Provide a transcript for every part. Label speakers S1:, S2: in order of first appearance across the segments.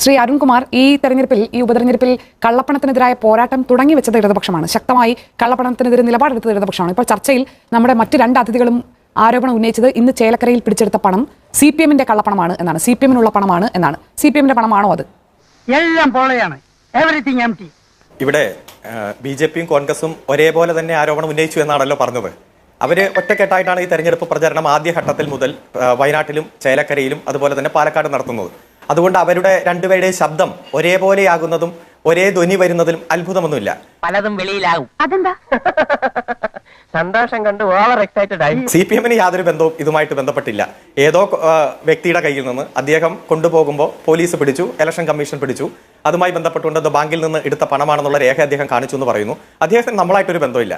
S1: ശ്രീ അരുൺകുമാർ, ഈ ഉപതെരഞ്ഞെടുപ്പിൽ കള്ളപ്പണത്തിനെതിരായ പോരാട്ടം തുടങ്ങി വെച്ചത് ഇടതുപക്ഷമാണ്. ശക്തമായി കള്ളപ്പണത്തിനെതിരെ നിലപാടെടുത്തത് ഇടതുപക്ഷമാണ്. ഇപ്പോൾ ചർച്ചയിൽ നമ്മുടെ മറ്റ് രണ്ട് അതിഥികളും ആരോപണം ഉന്നയിച്ചത് ഇന്ന് ചേലക്കരയിൽ പിടിച്ചെടുത്ത പണം CPM-ന്റെ കള്ളപ്പണമാണ് എന്നാണ്, CPM-നുള്ള പണമാണ് എന്നാണ്. CPM-ന്റെ പണമാണോ അത്?
S2: എല്ലാം പോളയാണ്. Everything empty.
S3: ഇവിടെ BJP-യും കോൺഗ്രസും ഒരേപോലെ തന്നെ ആരോപണം ഉന്നയിച്ചു എന്നാണല്ലോ പറഞ്ഞത്. അവര് ഒറ്റക്കെട്ടായിട്ടാണ് ഈ തെരഞ്ഞെടുപ്പ് പ്രചരണം ആദ്യഘട്ടത്തിൽ മുതൽ വയനാട്ടിലും ചേലക്കരയിലും അതുപോലെ തന്നെ പാലക്കാട് നടത്തുന്നത്. അതുകൊണ്ട് അവരുടെ രണ്ടുപേരുടെയും ശബ്ദം ഒരേപോലെയാകുന്നതും ഒരേ ധ്വനി വരുന്നതിലും അത്ഭുതമൊന്നുമില്ല.
S2: പലതും വെളിയിലാകും. അതെന്താ? സന്തോഷം കണ്ട് ഓവർ എക്സൈറ്റഡ് ആയി.
S3: CPM-ന് യാതൊരു ബന്ധവും ഇതുമായിട്ട് ബന്ധപ്പെട്ടില്ല. ഏതോ വ്യക്തിയുടെ കയ്യിൽ നിന്ന് അദ്ദേഹം കൊണ്ടുപോകുമ്പോൾ പോലീസ് പിടിച്ചു, ഇലക്ഷൻ കമ്മീഷൻ പിടിച്ചു. അതുമായി ബന്ധപ്പെട്ടുകൊണ്ട് ബാങ്കിൽ നിന്ന് എടുത്ത പണമാണെന്നുള്ള രേഖ അദ്ദേഹം കാണിച്ചു എന്ന് പറയുന്നു. അദ്ദേഹത്തിന് നമ്മളായിട്ടൊരു ബന്ധമില്ല.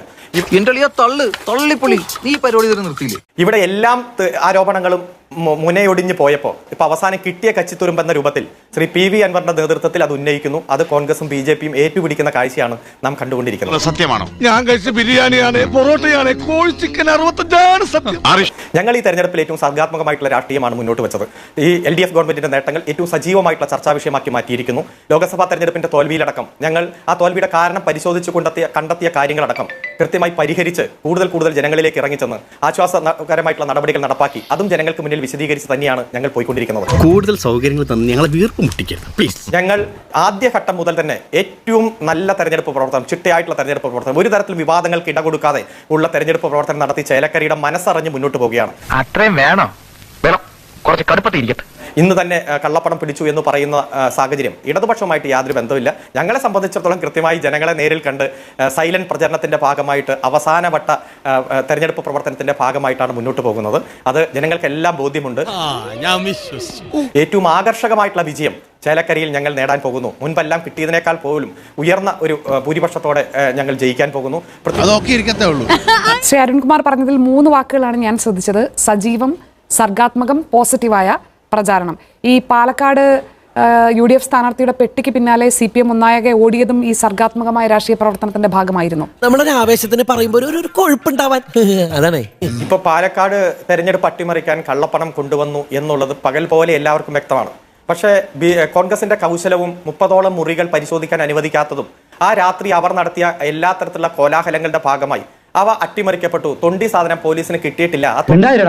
S3: ഇവിടെ എല്ലാം ആരോപണങ്ങളും മുനയൊടിഞ്ഞു പോയപ്പോൾ ഇപ്പൊ അവസാനം കിട്ടിയ കച്ചിത്തുരുമ്പെന്ന രൂപത്തിൽ ശ്രീ PV അൻവറിന്റെ നേതൃത്വത്തിൽ അത് ഉന്നയിക്കുന്നു. അത് കോൺഗ്രസും BJP-യും ഏറ്റുപിടിക്കുന്ന കാഴ്ചയാണ് നാം കണ്ടുകൊണ്ടിരിക്കുന്നത്.
S4: സത്യമാണോ? ഞാൻ കഴിച്ച ബിരിയാണിയാണ്, പൊറോട്ടയാണ്, കോഴി ചിക്കൻ 65 സത്യം.
S3: ഞങ്ങൾ ഈ തെരഞ്ഞെടുപ്പിൽ ഏറ്റവും സർഗാത്മകമായിട്ടുള്ള രാഷ്ട്രീയമാണ് മുന്നോട്ട് വെച്ചത്. ഈ LDF ഗവൺമെന്റിന്റെ നേട്ടങ്ങൾ ഏറ്റവും സജീവമായിട്ടുള്ള ചർച്ചാ വിഷയമാക്കി മാറ്റിയിരിക്കുന്നു. ലോക്സഭാ തെരഞ്ഞെടുപ്പിന്റെ തോൽവിയിലടക്കം ഞങ്ങൾ ആ തോൽവിയുടെ കാരണം പരിശോധിച്ചു കണ്ടെത്തിയ കാര്യങ്ങളടക്കം കൃത്യമായി പരിഹരിച്ച് കൂടുതൽ ജനങ്ങളിലേക്ക് ഇറങ്ങിച്ചെന്ന് ആശ്വാസകരമായിട്ടുള്ള നടപടികൾ നടപ്പാക്കി അതും ജനങ്ങൾക്ക് മുന്നിൽ വിശദീകരിച്ച് തന്നെയാണ് ഞങ്ങൾ പോയിക്കൊണ്ടിരിക്കുന്നത്.
S5: കൂടുതൽ സൗകര്യങ്ങൾ തന്നെ ഞങ്ങളെ വീർപ്പ് മുട്ടിക്കരുത് പ്ലീസ്.
S3: ഞങ്ങൾ ആദ്യഘട്ടം മുതൽ തന്നെ ഏറ്റവും നല്ല തെരഞ്ഞെടുപ്പ് പ്രവർത്തനം, ചിട്ടയായിട്ടുള്ള തെരഞ്ഞെടുപ്പ് പ്രവർത്തനം, ഒരു തരത്തിലും വിവാദങ്ങൾക്ക് ഇടകൊടുക്കാതെ ഉള്ള തെരഞ്ഞെടുപ്പ് പ്രവർത്തനം നടത്തി ചേലക്കരയുടെ മനസ്സറിഞ്ഞ് മുന്നോട്ട് പോവുകയാണ്.
S2: അത്രയും വേണം, കുറച്ച് കടുപ്പത്തിരിക്കട്ടെ.
S3: ഇന്ന് തന്നെ കള്ളപ്പണം പിടിച്ചു എന്ന് പറയുന്ന സാഹചര്യം ഇടതുപക്ഷവുമായിട്ട് യാതൊരു ബന്ധമില്ല. ഞങ്ങളെ സംബന്ധിച്ചിടത്തോളം കൃത്യമായി ജനങ്ങളെ നേരിൽ കണ്ട് സൈലന്റ് പ്രചരണത്തിന്റെ ഭാഗമായിട്ട് അവസാനവട്ട തെരഞ്ഞെടുപ്പ് പ്രവർത്തനത്തിന്റെ ഭാഗമായിട്ടാണ് മുന്നോട്ട് പോകുന്നത്. അത് ജനങ്ങൾക്കെല്ലാം ബോധ്യമുണ്ട്. ഏറ്റവും ആകർഷകമായിട്ടുള്ള വിജയം ചേലക്കരയിൽ ഞങ്ങൾ നേടാൻ പോകുന്നു. മുൻപെല്ലാം കിട്ടിയതിനേക്കാൾ പോലും ഉയർന്ന ഒരു ഭൂരിപക്ഷത്തോടെ ഞങ്ങൾ ജയിക്കാൻ പോകുന്നു.
S1: ശ്രീ അരുൺകുമാർ പറഞ്ഞതിൽ 3 വാക്കുകളാണ് ഞാൻ ശ്രദ്ധിച്ചത്: സജീവം, സർഗാത്മകം, പോസിറ്റീവായ പ്രചാരണം. ഈ പാലക്കാട് UDF സ്ഥാനാർത്ഥിയുടെ പെട്ടിക്ക് പിന്നാലെ CPM ഒന്നാകെ ഓടിയതും ഈ സർഗാത്മകമായ രാഷ്ട്രീയ പ്രവർത്തനത്തിന്റെ ഭാഗമായിരുന്നു.
S6: നമ്മളൊരു ആവേശത്തിന് പറയുമ്പോൾ ഒരു കൊഴുപ്പുണ്ടാവാൻ അതാണ്.
S3: ഇപ്പൊ പാലക്കാട് തെരഞ്ഞെടുപ്പ് അട്ടിമറിക്കാൻ കള്ളപ്പണം കൊണ്ടുവന്നു എന്നുള്ളത് പകൽ പോലെ എല്ലാവർക്കും വ്യക്തമാണ്. പക്ഷേ കോൺഗ്രസിന്റെ കൗശലവും 30ഓളം മുറികൾ പരിശോധിക്കാൻ അനുവദിക്കാത്തതും ആ രാത്രി അവർ നടത്തിയ എല്ലാ തരത്തിലുള്ള കോലാഹലങ്ങളുടെ ഭാഗമായി അവ അട്ടിമറിക്കപ്പെട്ടു. തൊണ്ടി സാധനം പോലീസിന് കിട്ടിയിട്ടില്ല.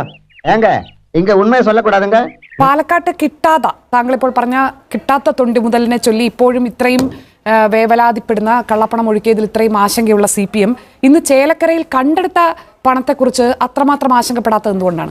S1: പാലക്കാട്ട് താങ്കൾ ഇപ്പോൾ പറഞ്ഞ കിട്ടാത്ത തൊണ്ടി മുതലിനെ ചൊല്ലി ഇപ്പോഴും ഇത്രയും വേവലാതിപ്പെടുന്ന, കള്ളപ്പണം ഒഴുക്കിയതിൽ ഇത്രയും ആശങ്കയുള്ള CPM ഇന്ന് ചേലക്കരയിൽ കണ്ടെടുത്ത പണത്തെക്കുറിച്ച് അത്രമാത്രം ആശങ്കപ്പെടാത്തത് എന്തുകൊണ്ടാണ്?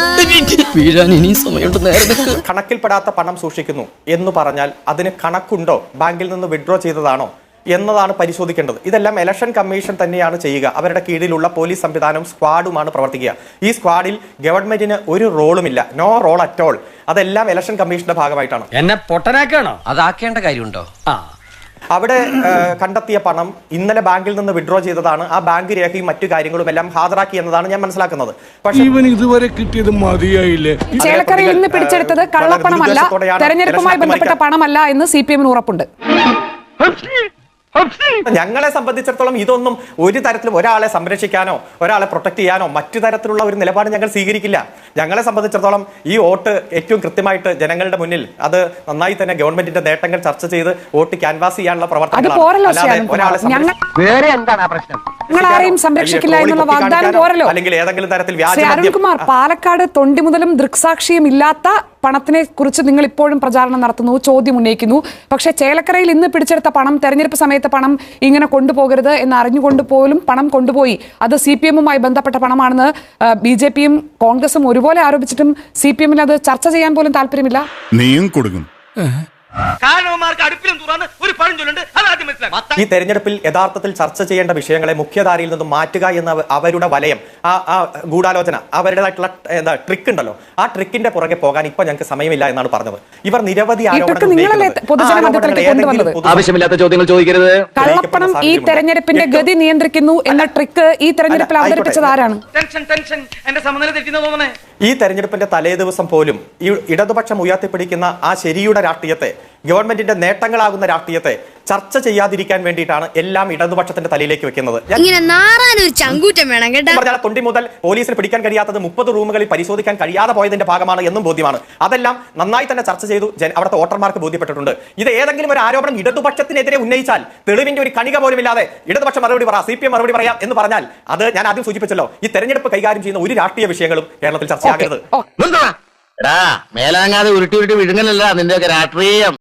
S3: കണക്കിൽപ്പെടാത്ത പണം സൂക്ഷിക്കുന്നു എന്ന് പറഞ്ഞാൽ അതിന് കണക്കുണ്ടോ, ബാങ്കിൽ നിന്ന് വിഡ്രോ ചെയ്തതാണോ എന്നതാണ് പരിശോധിക്കേണ്ടത്. ഇതെല്ലാം ഇലക്ഷൻ കമ്മീഷൻ തന്നെയാണ് ചെയ്യുക. അവരുടെ കീഴിലുള്ള പോലീസ് സംവിധാനവും സ്ക്വാഡുമാണ് പ്രവർത്തിക്കുക. ഈ സ്ക്വാഡിൽ ഗവൺമെന്റിന് ഒരു റോളുമില്ല, നോ റോൾ അറ്റ് ഓൾ. അതെല്ലാം ഇലക്ഷൻ കമ്മീഷന്റെ ഭാഗമായിട്ടാണ്.
S7: എന്നെ പൊട്ടനാക്കണോ?
S6: അതാക്കേണ്ട കാര്യമുണ്ടോ?
S3: അവിടെ കണ്ടെത്തിയ പണം ഇന്നലെ ബാങ്കിൽ നിന്ന് വിഡ്രോ ചെയ്തതാണ്. ആ ബാങ്ക് രേഖയും മറ്റു കാര്യങ്ങളും എല്ലാം ഹാജരാക്കി എന്നതാണ് ഞാൻ മനസ്സിലാക്കുന്നത്. പക്ഷേ
S4: ഇതുവരെ കിട്ടിയത് മതിയായില്ലേ?
S1: ചേലക്കരയിൽ നിന്ന് പിടിച്ചെടുത്തത് കള്ളപ്പണമല്ല, തെരഞ്ഞെടുപ്പുമായി ബന്ധപ്പെട്ട പണമല്ല എന്ന് CPM-ന് ഉറപ്പുണ്ട്.
S3: ഞങ്ങളെ സംബന്ധിച്ചിടത്തോളം ഇതൊന്നും ഒരു തരത്തിലും ഒരാളെ സംരക്ഷിക്കാനോ ഒരാളെ പ്രൊട്ടക്ട് ചെയ്യാനോ മറ്റു തരത്തിലുള്ള ഒരു നിലപാട് ഞങ്ങൾ സ്വീകരിക്കില്ല. ഞങ്ങളെ സംബന്ധിച്ചിടത്തോളം ഈ വോട്ട് ഏറ്റവും കൃത്യമായിട്ട് ജനങ്ങളുടെ മുന്നിൽ അത് നന്നായി തന്നെ ഗവൺമെന്റിന്റെ നേട്ടങ്ങൾ ചർച്ച ചെയ്ത് വോട്ട് ക്യാൻവാസ് ചെയ്യാനുള്ള പ്രവർത്തനങ്ങളാണ്.
S1: ഞങ്ങളാരെയും സംരക്ഷിക്കില്ല എന്നുള്ള വാഗ്ദാനം പോരല്ലോ.
S3: അല്ലെങ്കിൽ ഏതെങ്കിലും തരത്തിൽ
S1: അരുൺകുമാർ, പാലക്കാട് തൊണ്ടി മുതലും ദൃക്സാക്ഷിയും ഇല്ലാത്ത പണത്തിനെ കുറിച്ച് നിങ്ങൾ ഇപ്പോഴും പ്രചാരണം നടത്തുന്നു, ചോദ്യം ഉന്നയിക്കുന്നു. പക്ഷേ ചേലക്കരയിൽ ഇന്ന് പിടിച്ചെടുത്ത പണം, തെരഞ്ഞെടുപ്പ് സമയത്ത് പണം ഇങ്ങനെ കൊണ്ടുപോകരുത് എന്ന് അറിഞ്ഞുകൊണ്ട് പോലും പണം കൊണ്ടുപോയി. അത് CPM-ഉമായി ബന്ധപ്പെട്ട പണമാണെന്ന് BJP-യും കോൺഗ്രസും ഒരുപോലെ ആരോപിച്ചിട്ടും CPM-ന് അത് ചർച്ച ചെയ്യാൻ പോലും താല്പര്യമില്ല.
S4: നീയും കൊടുക്കും.
S3: ഈ തെരഞ്ഞെടുപ്പിൽ യഥാർത്ഥത്തിൽ ചർച്ച ചെയ്യേണ്ട വിഷയങ്ങളെ മുഖ്യധാരയിൽ നിന്നും മാറ്റുക എന്ന അവരുടെ വലയം, ആ ഗൂഢാലോചന, അവരുടേതായിട്ടുള്ള ട്രിക്ക് ഉണ്ടല്ലോ, ആ ട്രിക്കിന്റെ പുറകെ പോകാൻ ഇപ്പൊ ഞങ്ങൾക്ക് സമയമില്ല എന്നാണ് പറഞ്ഞത്. ഇവർ നിരവധി
S7: ആവശ്യമില്ലാത്ത ചോദ്യങ്ങൾ ചോദിക്കരുത്.
S1: കള്ളപ്പണം ഈ തെരഞ്ഞെടുപ്പിന്റെ ഗതി നിയന്ത്രിക്കുന്നു എന്ന ട്രിക്ക് ഈ തെരഞ്ഞെടുപ്പിൽ അവതരിപ്പിച്ചത് ആരാണ്?
S3: ഈ തെരഞ്ഞെടുപ്പിന്റെ തലേ ദിവസം പോലും ഈ ഇടതുപക്ഷം ഉയർത്തിപ്പിടിക്കുന്ന ആ ശരിയുടെ രാഷ്ട്രീയത്തെ, ഗവൺമെന്റിന്റെ നേട്ടങ്ങളാകുന്ന രാഷ്ട്രീയത്തെ ചർച്ച ചെയ്യാതിരിക്കാൻ വേണ്ടിയിട്ടാണ് എല്ലാം ഇടതുപക്ഷത്തിന്റെ തലയിലേക്ക് വെക്കുന്നത്.
S8: ഇങ്ങനെ നാറാനൊരു ചങ്കൂറ്റം വേണം കേട്ടോ.
S3: പറഞ്ഞാൽ തൊണ്ടി മുതൽ പോലീസിന് പിടിക്കാൻ കഴിയാത്തത് 30 റൂമുകളിൽ പരിശോധിക്കാൻ കഴിയാതെ പോയതിന്റെ ഭാഗമാണ് എന്നും ബോധ്യമാണ്. അതെല്ലാം നന്നായി തന്നെ ചർച്ച ചെയ്തു, അവിടുത്തെ വോട്ടർമാർക്ക് ബോധ്യപ്പെട്ടിട്ടുണ്ട്. ഇത് ഏതെങ്കിലും ഒരു ആരോപണം ഇടതുപക്ഷത്തിനെതിരെ ഉന്നയിച്ചാൽ തെളിവിന്റെ ഒരു കണിക പോലും ഇല്ലാതെ ഇടതുപക്ഷം മറുപടി പറ, CPM മറുപടി പറയാം എന്ന് പറഞ്ഞാൽ അത് ഞാൻ ആദ്യം സൂചിപ്പിച്ചല്ലോ, ഈ തെരഞ്ഞെടുപ്പ് കൈകാര്യം ചെയ്യുന്ന ഒരു രാഷ്ട്രീയ വിഷയങ്ങളും കേരളത്തിൽ ചർച്ചയാകരുത്.
S7: മേലാങ്ങാതെ ഉരുട്ടി വിഴുങ്ങലല്ല നിന്റെ രാഷ്ട്രീയം.